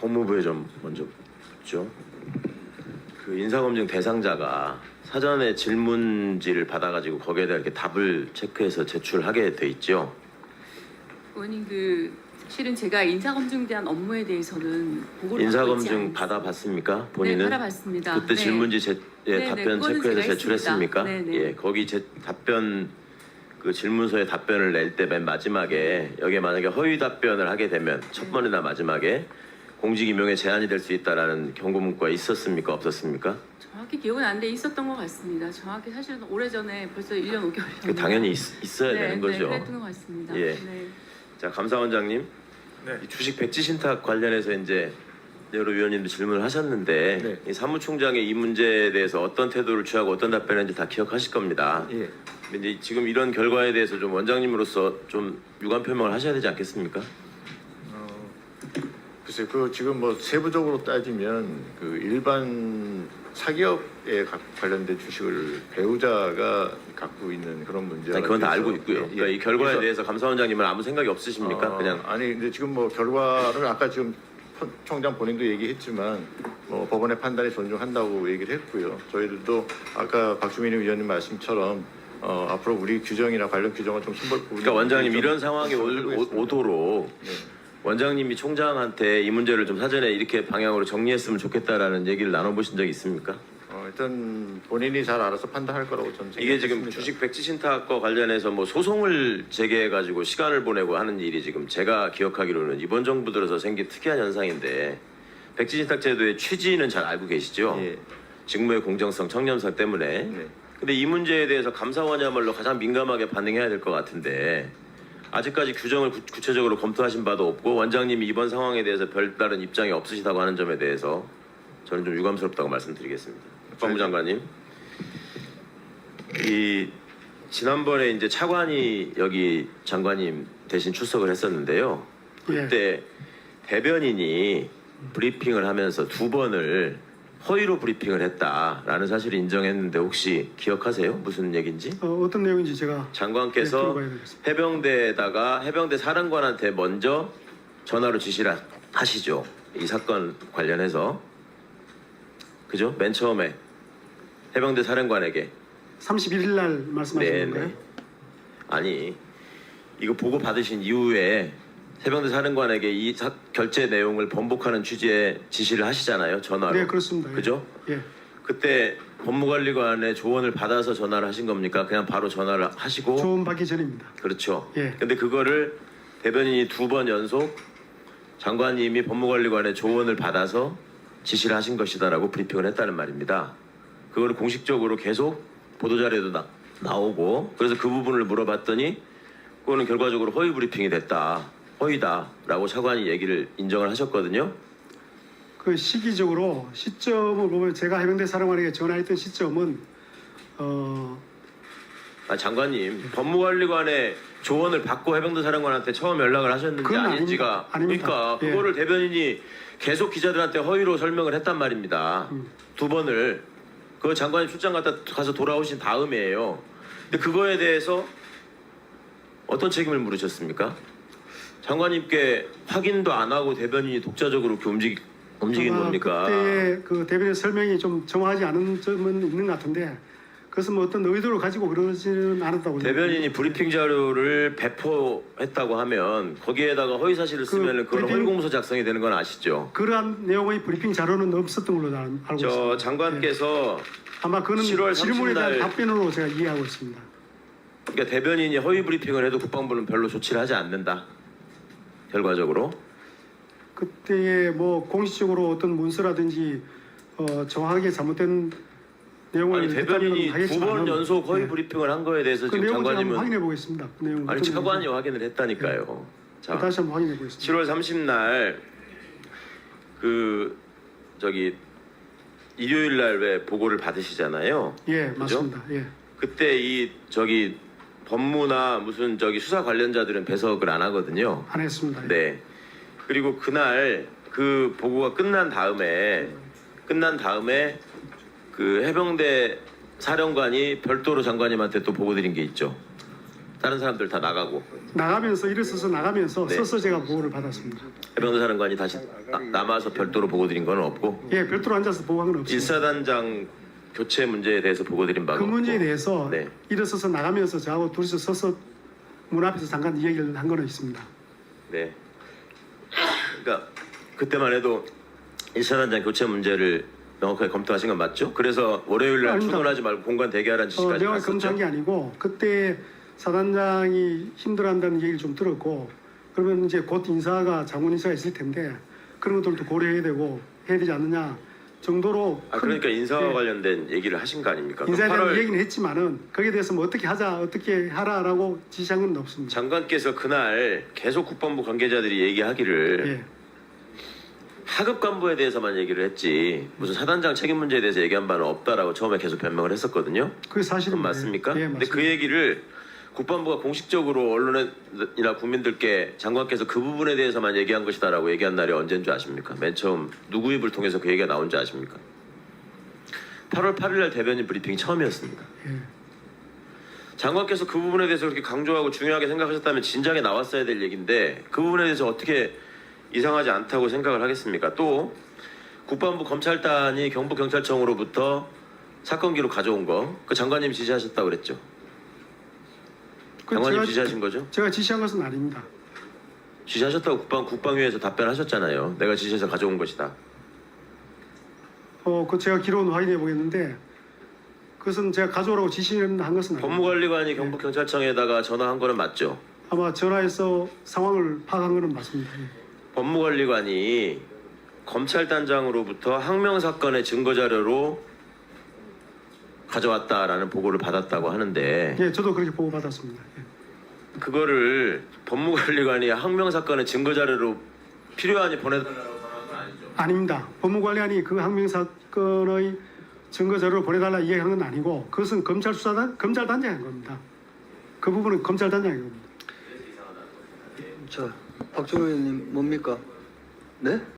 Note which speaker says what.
Speaker 1: 법무부에 좀 먼저 묻죠. 그 인사검증 대상자가 사전에 질문지를 받아가지고 거기에 대해 이렇게 답을 체크해서 제출하게 돼 있죠.
Speaker 2: 의원님 실은 제가 인사검증에 대한 업무에 대해서는 보고를
Speaker 1: 인사검증 받아봤습니까? 본인은?
Speaker 2: 네, 받아봤습니다.
Speaker 1: 그때
Speaker 2: 네.
Speaker 1: 질문지 답변
Speaker 2: 그거는
Speaker 1: 체크해서
Speaker 2: 제가
Speaker 1: 제출했습니까?
Speaker 2: 했습니다. 네.
Speaker 1: 예, 거기 답변 그 질문서에 답변을 낼 때 맨 마지막에 여기에 만약에 허위 답변을 하게 되면 첫 번이나 마지막에 공직 임용에 제한이 될 수 있다라는 경고 문구가 있었습니까? 없었습니까?
Speaker 2: 정확히 기억은 안 돼 있었던 것 같습니다. 정확히 사실은 오래전에 벌써 1년 5개월 전에
Speaker 1: 당연히 있어야 되는 거죠.
Speaker 2: 네, 그랬던 것 같습니다.
Speaker 1: 예.
Speaker 2: 네.
Speaker 1: 자, 감사원장님,
Speaker 3: 네.
Speaker 1: 이 주식 백지 신탁 관련해서 이제 여러 위원님도 질문을 하셨는데
Speaker 3: 네.
Speaker 1: 이 사무총장의 이 문제에 대해서 어떤 태도를 취하고 어떤 답변을 다 기억하실 겁니다.
Speaker 3: 예.
Speaker 1: 근데 이제 지금 이런 결과에 대해서 좀 원장님으로서 좀 유감 표명을 하셔야 되지 않겠습니까?
Speaker 3: 글쎄 그 지금 뭐 세부적으로 따지면 그 일반 사기업에 관련된 주식을 배우자가 갖고 있는 그런 문제가
Speaker 1: 아니, 그건 다
Speaker 3: 있어서,
Speaker 1: 알고 있고요.
Speaker 3: 예, 예.
Speaker 1: 그러니까 이 결과에
Speaker 3: 그래서,
Speaker 1: 대해서 감사원장님은 아무 생각이 없으십니까? 그냥
Speaker 3: 아니 근데 지금 뭐 결과를 아까 지금 총장 본인도 얘기했지만 뭐 법원의 판단이 존중한다고 얘기를 했고요. 저희들도 아까 박주민 위원님 말씀처럼 앞으로 우리 규정이나 관련 규정은 좀 신설 부분이
Speaker 1: 그러니까 원장님
Speaker 3: 좀
Speaker 1: 이런 상황이
Speaker 3: 하겠습니다.
Speaker 1: 오도록
Speaker 3: 네.
Speaker 1: 원장님이 총장한테 이 문제를 좀 사전에 이렇게 방향으로 정리했으면 좋겠다라는 얘기를 나눠보신 적이 있습니까?
Speaker 3: 일단 본인이 잘 알아서 판단할 거라고 저는
Speaker 1: 이게 지금
Speaker 3: 생각했습니다.
Speaker 1: 주식 백지 신탁과 관련해서 뭐 소송을 제기해 가지고 시간을 보내고 하는 일이 지금 제가 기억하기로는 이번 정부 들어서 생긴 특이한 현상인데 백지 신탁 제도의 취지는 잘 알고 계시죠?
Speaker 3: 예.
Speaker 1: 직무의 공정성, 청렴성 때문에.
Speaker 3: 네.
Speaker 1: 근데 이 문제에 대해서 감사원이야말로 가장 민감하게 반응해야 될 것 같은데 아직까지 규정을 구체적으로 검토하신 바도 없고 원장님이 이번 상황에 대해서 별다른 입장이 없으시다고 하는 점에 대해서 저는 좀 유감스럽다고 말씀드리겠습니다. 법무부 장관님, 이 지난번에 이제 차관이 여기 장관님 대신 출석을 했었는데요. 그때 대변인이 브리핑을 하면서 2번을 허위로 브리핑을 했다라는 사실을 인정했는데 혹시 기억하세요? 무슨 얘기인지?
Speaker 4: 어떤 내용인지 제가
Speaker 1: 장관께서
Speaker 4: 들어봐야 되겠습니다.
Speaker 1: 해병대에다가 해병대 사령관한테 먼저 전화로 지시를 하시죠. 이 사건 관련해서. 그죠? 맨 처음에 해병대 사령관에게.
Speaker 4: 31일 날 말씀하시는 건가요?
Speaker 1: 아니, 이거 보고 받으신 이후에 해병대 사령관에게 이 결제 내용을 번복하는 취지의 지시를 하시잖아요. 전화로.
Speaker 4: 네, 그렇습니다. 예.
Speaker 1: 그죠?
Speaker 4: 예.
Speaker 1: 그때 법무관리관의 조언을 받아서 전화를 하신 겁니까? 그냥 바로 전화를 하시고.
Speaker 4: 조언 받기 전입니다.
Speaker 1: 그렇죠.
Speaker 4: 예.
Speaker 1: 근데 그거를 대변인이 2번 연속 장관님이 법무관리관의 조언을 받아서 지시를 하신 것이다라고 브리핑을 했다는 말입니다. 그거를 공식적으로 계속 보도자료에도 나오고 그래서 그 부분을 물어봤더니 그거는 결과적으로 허위 브리핑이 됐다. 허위다라고 차관이 얘기를 인정을 하셨거든요.
Speaker 4: 그 시기적으로 시점을 보면 제가 해병대 사령관에게 전화했던 시점은
Speaker 1: 장관님 법무관리관의 조언을 받고 해병대 사령관한테 처음 연락을 하셨는지
Speaker 4: 그건
Speaker 1: 아닌지가
Speaker 4: 아닙니다.
Speaker 1: 그러니까
Speaker 4: 예.
Speaker 1: 그거를 대변인이 계속 기자들한테 허위로 설명을 했단 말입니다. 2번을 그 장관님 출장 가서 돌아오신 다음이에요. 근데 그거에 대해서 어떤 책임을 물으셨습니까? 장관님께 확인도 안 하고 대변인이 독자적으로 이렇게 움직인 겁니까?
Speaker 4: 그때 그 대변인 설명이 좀 정확하지 않은 점은 있는 것 같은데 그것은 뭐 어떤 의도를 가지고 그러지는 않았다고
Speaker 1: 대변인이 브리핑 자료를 배포했다고 하면 거기에다가 허위 사실을 쓰면 그건 허위 공문서 작성이 되는 건 아시죠?
Speaker 4: 그러한 내용의 브리핑 자료는 없었던 걸로 알고 있습니다.
Speaker 1: 저 장관께서
Speaker 4: 예. 아마 그는
Speaker 1: 7월
Speaker 4: 질문에
Speaker 1: 30일
Speaker 4: 대한
Speaker 1: 날
Speaker 4: 답변으로 제가 이해하고 있습니다.
Speaker 1: 그러니까 대변인이 허위 브리핑을 해도 국방부는 별로 조치를 하지 않는다. 결과적으로.
Speaker 4: 그때에 뭐 공식적으로 어떤 문서라든지 정확하게 잘못된 내용을
Speaker 1: 아니 대변인이
Speaker 4: 했다면
Speaker 1: 2번 연속 허위
Speaker 4: 예.
Speaker 1: 브리핑을 한 거에 대해서
Speaker 4: 그
Speaker 1: 지금
Speaker 4: 내용을 제가 한번
Speaker 1: 장관님은
Speaker 4: 확인해 보겠습니다. 그 내용
Speaker 1: 아니 차관이 확인을 했다니까요. 자,
Speaker 4: 다시 한번 확인해 보겠습니다.
Speaker 1: 7월 30날 그 저기 일요일 날 왜 보고를 받으시잖아요.
Speaker 4: 예,
Speaker 1: 그죠?
Speaker 4: 맞습니다. 예.
Speaker 1: 그때 이 저기 법무나 무슨 저기 수사 관련자들은 배석을 안 하거든요.
Speaker 4: 안 했습니다. 예.
Speaker 1: 네. 그리고 그날 그 보고가 끝난 다음에 그 해병대 사령관이 별도로 장관님한테 또 보고 드린 게 있죠. 다른 사람들 다 나가면서
Speaker 4: 일어서서 나가면서
Speaker 1: 네.
Speaker 4: 서서 제가 보고를 받았습니다.
Speaker 1: 해병대 사령관이 다시 남아서 별도로 보고 드린 건 없고
Speaker 4: 예, 별도로 앉아서 보고한 건 없습니다.
Speaker 1: 일사단장 교체 문제에 대해서 보고 드린 바가
Speaker 4: 그 문제에
Speaker 1: 없고.
Speaker 4: 대해서
Speaker 1: 네.
Speaker 4: 일어서서 나가면서 저하고 둘이서 서서 문 앞에서 잠깐 이야기를 한 거는 있습니다.
Speaker 1: 네. 그러니까 그때만 해도 일사단장 교체 문제를 명확하게 검토하신 건 맞죠? 그래서 월요일 날
Speaker 4: 아닙니다.
Speaker 1: 출근하지 말고 공관 대기하라는 지시까지
Speaker 4: 내가 검토한
Speaker 1: 갔었죠.
Speaker 4: 게 아니고 그때 사단장이 힘들어한다는 얘기를 좀 들었고 그러면 이제 곧 인사가 장관 인사가 있을 텐데 그런 것들도 고려해야 되고 해야 되지 않느냐 정도로
Speaker 1: 아 그러니까 인사와
Speaker 4: 예,
Speaker 1: 관련된 얘기를 하신 거 아닙니까?
Speaker 4: 인사에
Speaker 1: 그럼
Speaker 4: 대한
Speaker 1: 8월
Speaker 4: 얘기는 했지만은 거기에 대해서 뭐 어떻게 하자 어떻게 하라라고 지시한 건 없습니다.
Speaker 1: 장관께서 그날 계속 국방부 관계자들이 얘기하기를
Speaker 4: 예.
Speaker 1: 하급 간부에 대해서만 얘기를 했지 무슨 사단장 책임 문제에 대해서 얘기한 바는 없다라고 처음에 계속 변명을 했었거든요.
Speaker 4: 그게 사실은
Speaker 1: 그건 맞습니까?
Speaker 4: 예,
Speaker 1: 근데
Speaker 4: 맞습니다.
Speaker 1: 그 얘기를 국방부가 공식적으로 언론이나 국민들께 장관께서 그 부분에 대해서만 얘기한 것이다라고 얘기한 날이 언제인 줄 아십니까? 맨 처음 누구 입을 통해서 그 얘기가 나온 줄 아십니까? 8월 8일 날 대변인 브리핑이 처음이었습니다.
Speaker 4: 예.
Speaker 1: 장관께서 그 부분에 대해서 그렇게 강조하고 중요하게 생각하셨다면 진작에 나왔어야 될 얘기인데 그 부분에 대해서 어떻게 이상하지 않다고 생각을 하겠습니까? 또 국방부 검찰단이 경북경찰청으로부터 사건 기록 가져온 거 그 장관님이 지시하셨다고 그랬죠?
Speaker 4: 그
Speaker 1: 장관님
Speaker 4: 제가-
Speaker 1: 지시하신 거죠?
Speaker 4: 제가 지시한 것은 아닙니다.
Speaker 1: 지시하셨다고 국방위에서 답변하셨잖아요. 내가 지시해서 가져온 것이다.
Speaker 4: 그 제가 기록은 확인해 보겠는데 그것은 제가 가져오라고 지시한 것은 아닙니다.
Speaker 1: 법무관리관이 경북경찰청에다가 전화한 거는 맞죠?
Speaker 4: 아마 전화해서 상황을 파악한 것은 맞습니다. 예.
Speaker 1: 법무관리관이 검찰단장으로부터 항명 사건의 증거 자료로 가져왔다라는 보고를 받았다고 하는데
Speaker 4: 예, 저도 그렇게 보고 받았습니다. 예.
Speaker 1: 그거를 법무관리관이 항명 사건의 증거 자료로 필요하니 보내달라고 전화한 건 아니죠?
Speaker 4: 아닙니다. 법무관리관이 그 항명 사건의 증거 자료를 보내달라 이야기한 건 아니고 그것은 검찰 수사단 검찰단장이 한 겁니다. 그 부분은 검찰단장이 한 겁니다.
Speaker 5: 자, 박준호 의원님 뭡니까? 네?